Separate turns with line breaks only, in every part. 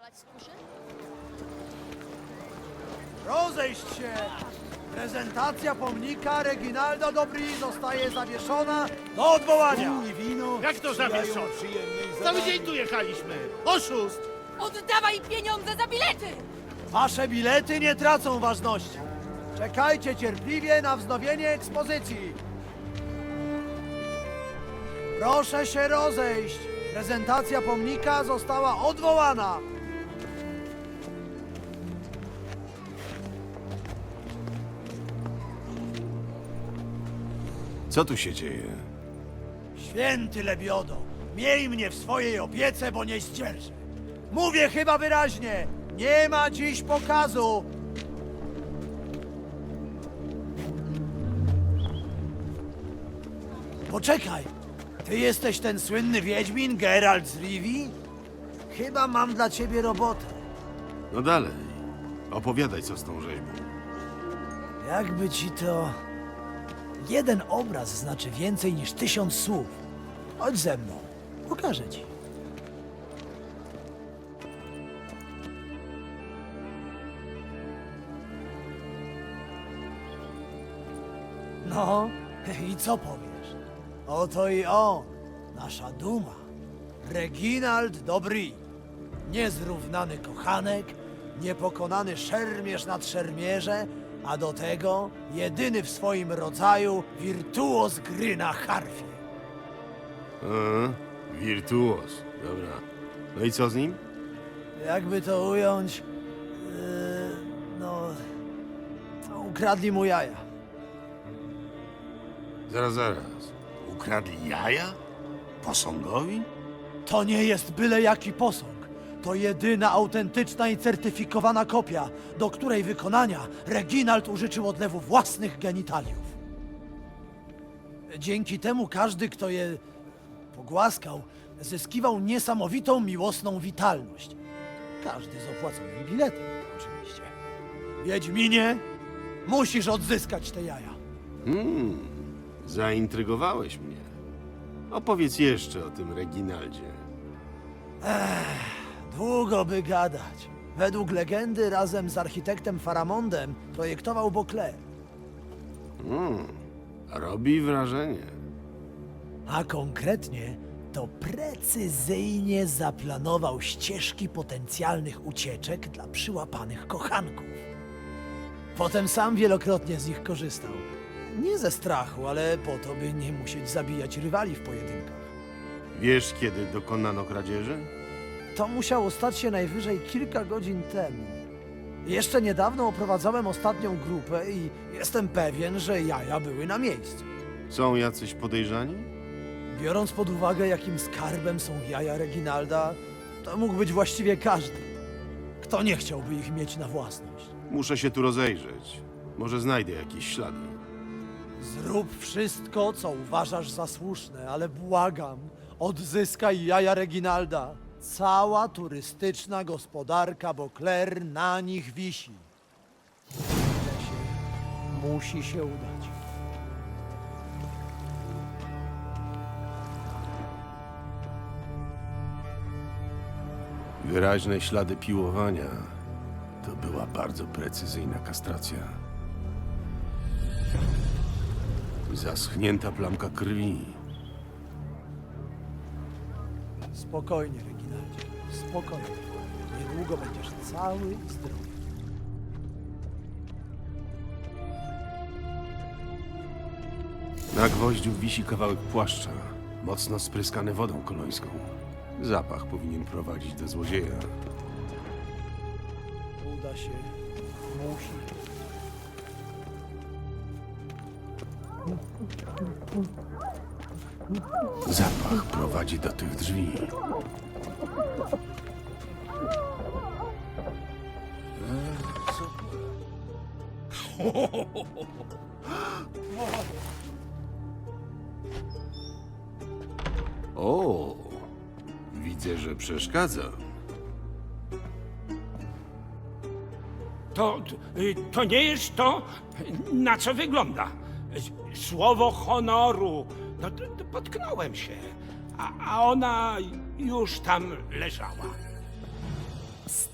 pilnować skórzy?
Rozejść się! Prezentacja pomnika Reginalda Dobry zostaje zawieszona do odwołania.
Jak to zawieszone? Cały dzień tu jechaliśmy. Oszust!
Oddawaj pieniądze za bilety!
Wasze bilety nie tracą ważności. Czekajcie cierpliwie na wznowienie ekspozycji. Proszę się rozejść. Prezentacja pomnika została odwołana.
Co tu się dzieje?
Święty Lebiodo, miej mnie w swojej opiece, bo nie zdzierżę. Mówię chyba wyraźnie, nie ma dziś pokazu. Poczekaj, ty jesteś ten słynny wiedźmin Geralt z Rivii? Chyba mam dla ciebie robotę.
No dalej. Opowiadaj, co z tą rzeźbą.
Jakby ci to... Jeden obraz znaczy więcej niż 1000 słów. Chodź ze mną, pokażę ci. No, i co powiesz? Oto i on, nasza duma. Reginald Dobry. Niezrównany kochanek, niepokonany szermierz nad szermierze, a do tego jedyny w swoim rodzaju wirtuoz gry na harfie.
Wirtuoz. Dobra. No i co z nim?
Jakby to ująć, no, ukradli mu jaja.
Zaraz. Ukradli jaja? Posągowi?
To nie jest byle jaki posąg. To jedyna autentyczna i certyfikowana kopia, do której wykonania Reginald użyczył odlewu własnych genitaliów. Dzięki temu każdy, kto je pogłaskał, zyskiwał niesamowitą miłosną witalność. Każdy z opłaconym biletem, oczywiście. Wiedźminie, musisz odzyskać te jaja.
Zaintrygowałeś mnie. Opowiedz jeszcze o tym Reginaldzie.
Długo by gadać. Według legendy razem z architektem Faramondem projektował Beauclerc.
Robi wrażenie.
A konkretnie to precyzyjnie zaplanował ścieżki potencjalnych ucieczek dla przyłapanych kochanków. Potem sam wielokrotnie z nich korzystał. Nie ze strachu, ale po to, by nie musieć zabijać rywali w pojedynkach.
Wiesz, kiedy dokonano kradzieży?
To musiało stać się najwyżej kilka godzin temu. Jeszcze niedawno oprowadzałem ostatnią grupę i jestem pewien, że jaja były na miejscu.
Są jacyś podejrzani?
Biorąc pod uwagę, jakim skarbem są jaja Reginalda, to mógł być właściwie każdy. Kto nie chciałby ich mieć na własność?
Muszę się tu rozejrzeć. Może znajdę jakieś ślady.
Zrób wszystko, co uważasz za słuszne, ale błagam, odzyskaj jaja Reginalda. Cała turystyczna gospodarka Beauclerc na nich wisi. Musi się udać.
Wyraźne ślady piłowania. To była bardzo precyzyjna kastracja. Zaschnięta plamka krwi.
Spokojnie, Reginaldzie, spokojnie. Niedługo będziesz cały i zdrowy.
Na gwoździu wisi kawałek płaszcza, mocno spryskany wodą kolońską. Zapach powinien prowadzić do złodzieja.
Uda się. Musi.
Zapach prowadzi do tych drzwi. O, widzę, że przeszkadza.
To nie jest to, na co wygląda. Słowo honoru. No, potknąłem się, a ona już tam leżała.
Psst,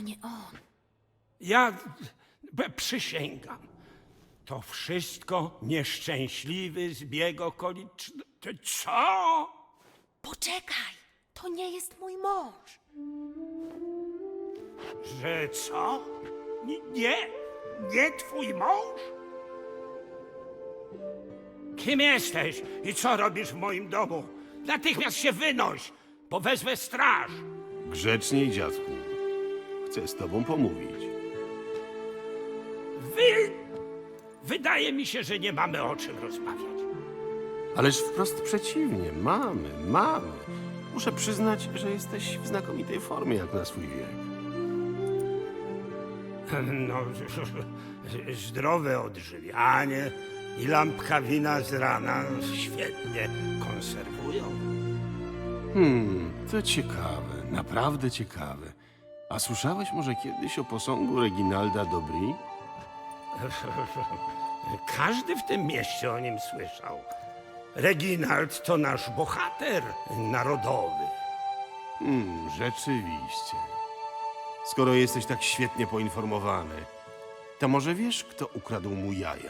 nie on.
Ja przysięgam. To wszystko nieszczęśliwy zbieg okoliczności. Co?
Poczekaj, to nie jest mój mąż.
Że co? Nie twój mąż? Kim jesteś i co robisz w moim domu? Natychmiast się wynoś, bo wezwę straż.
Grzeczniej, dziadku. Chcę z tobą pomówić.
Wydaje mi się, że nie mamy o czym rozmawiać.
Ależ wprost przeciwnie. Mamy. Muszę przyznać, że jesteś w znakomitej formie jak na swój wiek.
No, zdrowe odżywianie i lampka wina z rana świetnie konserwują.
To ciekawe, naprawdę ciekawe. A słyszałeś może kiedyś o posągu Reginalda Dobry?
Każdy w tym mieście o nim słyszał. Reginald to nasz bohater narodowy.
Rzeczywiście. Skoro jesteś tak świetnie poinformowany, to może wiesz, kto ukradł mu jaja?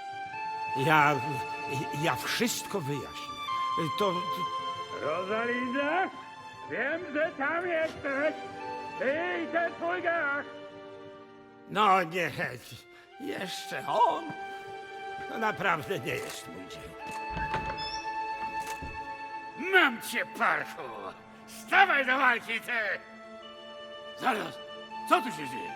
Ja wszystko wyjaśnię. To... Rosalinda? Wiem, że tam jesteś. Ty i ten twój gach. No nie, jeszcze on. To naprawdę nie jest mój dzień. Mam cię, parchu! Stawaj do walki, ty!
Zaraz, co tu się dzieje?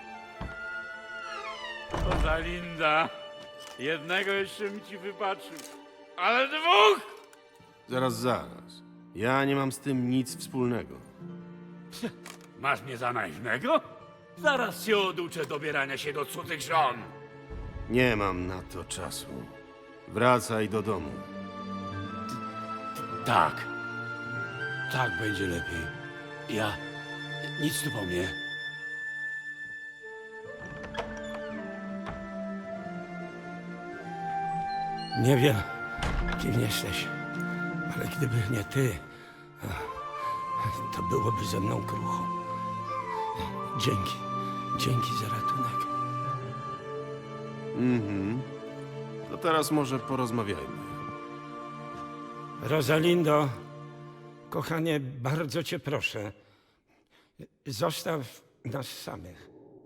Rosalinda, jednego jeszcze mi ci wybaczył, ale dwóch!
Zaraz. Ja nie mam z tym nic wspólnego.
Masz mnie za naiwnego? Zaraz cię oduczę dobierania się do cudzych żon.
Nie mam na to czasu. Wracaj do domu.
Tak. Tak będzie lepiej. Ja... Nic tu po mnie.
Nie wiem, kim jesteś, ale gdyby nie ty, to byłoby ze mną krucho. Dzięki za ratunek.
To teraz może porozmawiajmy.
Rosalindo, kochanie, bardzo cię proszę, zostaw nas samych.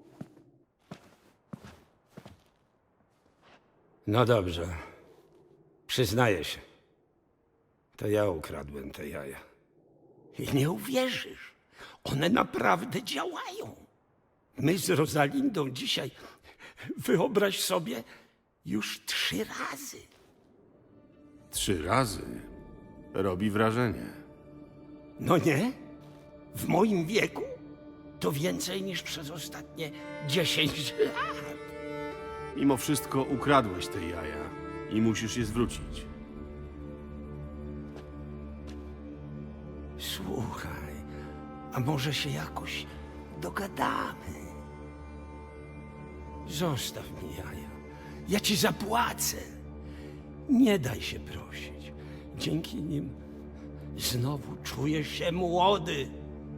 No dobrze, przyznaję się. To ja ukradłem te jaja. I nie uwierzysz, one naprawdę działają. My z Rosalindą dzisiaj, wyobraź sobie, już 3 razy.
3 razy? Robi wrażenie.
No nie? W moim wieku to więcej niż przez ostatnie 10 lat.
Mimo wszystko ukradłeś te jaja i musisz je zwrócić.
Słuchaj, a może się jakoś dogadamy? Zostaw mi jaja. Ja ci zapłacę. Nie daj się prosić. Dzięki nim znowu czujesz się młody.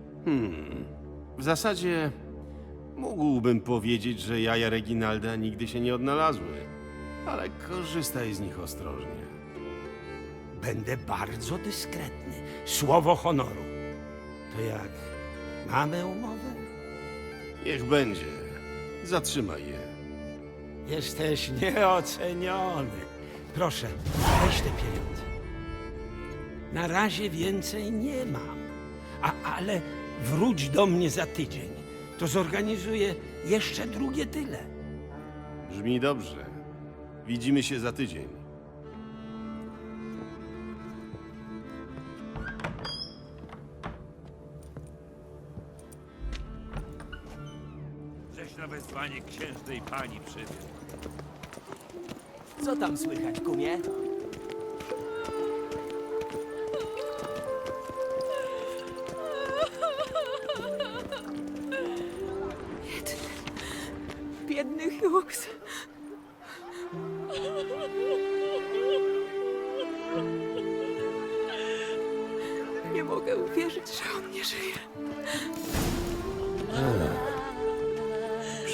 W zasadzie mógłbym powiedzieć, że jaja Reginalda nigdy się nie odnalazły, ale korzystaj z nich ostrożnie.
Będę bardzo dyskretny. Słowo honoru. To jak? Mamy umowę?
Niech będzie. Zatrzymaj je.
Jesteś nieoceniony. Proszę, weź te pieniądze. Na razie więcej nie mam. Ale wróć do mnie za tydzień. To zorganizuję jeszcze drugie tyle.
Brzmi dobrze. Widzimy się za tydzień.
Żeś na wezwanie księżnej pani przybył.
Co tam słychać, kumie?
Biedny Hughes. Nie mogę uwierzyć, że on nie żyje.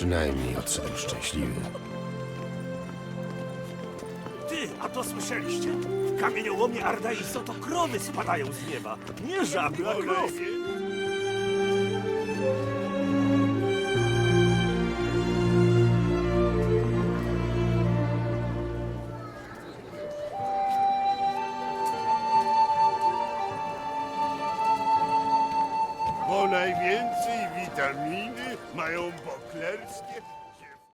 Przynajmniej odszedł szczęśliwy.
Ty, a to słyszeliście? W kamieniołomie Ardaiso to krowy spadają z nieba. Nie żaby, a krowy.
Bo najwięcej witaminy mają boklerskie